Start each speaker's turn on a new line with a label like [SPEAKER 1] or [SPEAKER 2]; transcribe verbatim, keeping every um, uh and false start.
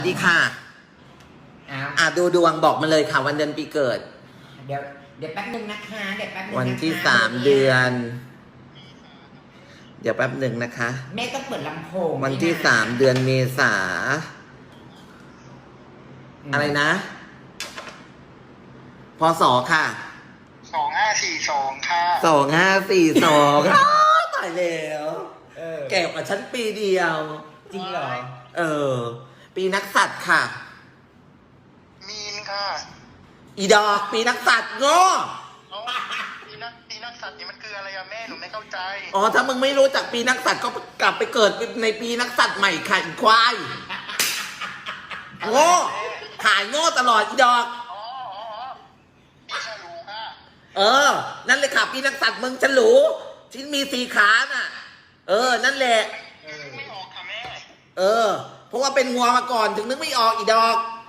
[SPEAKER 1] สวัสดีค่ะ
[SPEAKER 2] อ้าว
[SPEAKER 1] อ่ะดูดวงบอกมาเลยค่ะวันเดือนปีเกิด
[SPEAKER 2] เดี๋ยวเดี๋ยวแป๊บนึงนะคะเดี๋ยวแป๊บนึง
[SPEAKER 1] วัน
[SPEAKER 2] นะคะ
[SPEAKER 1] ที่สามเดือน เดี๋ยวแป๊บหนึ่งนะคะ
[SPEAKER 2] แม่ต้องเปิดลำโพง
[SPEAKER 1] วันที่สามเดือนเมษา
[SPEAKER 2] ม
[SPEAKER 1] อะไรนะ พศค่ะ
[SPEAKER 3] สองห้าสี่สองค่ะ
[SPEAKER 1] สองห้าสี่สองตายแล้ว
[SPEAKER 2] เออ
[SPEAKER 1] แก่กว่าฉันปีเดียว
[SPEAKER 2] จริงเหรอ
[SPEAKER 1] เออ ปีนักสัตว์ค่ะ
[SPEAKER 3] มีนค่ะ
[SPEAKER 1] อีดอกปีนักสัตว์โง่
[SPEAKER 3] เอ้าปีนักปีนักสัตว์นี่มันคืออะไรอะแม่หนูไม่เข้าใจ
[SPEAKER 1] อ๋อถ้ามึงไม่รู้จักปีนักสัตว์ก็กลับไปเกิดในปีนักสัตว์ใหม่ค่ะอีควายโง่ขายโง่ตลอดอีดอก
[SPEAKER 3] อ๋ออ๋ออ๋อปีฉลูค่ะ
[SPEAKER 1] เออ นั่นเลยค่ะปีนักสัตว์มึงฉลูที่มีสี่ขาน่ะ เออ นั่นแหละ
[SPEAKER 3] นึกไม่ออกค่ะแม่
[SPEAKER 1] เออ เพราะว่าเป็นงัวมาก่อนถึงนึกไม่ออกอีดอก
[SPEAKER 3] อ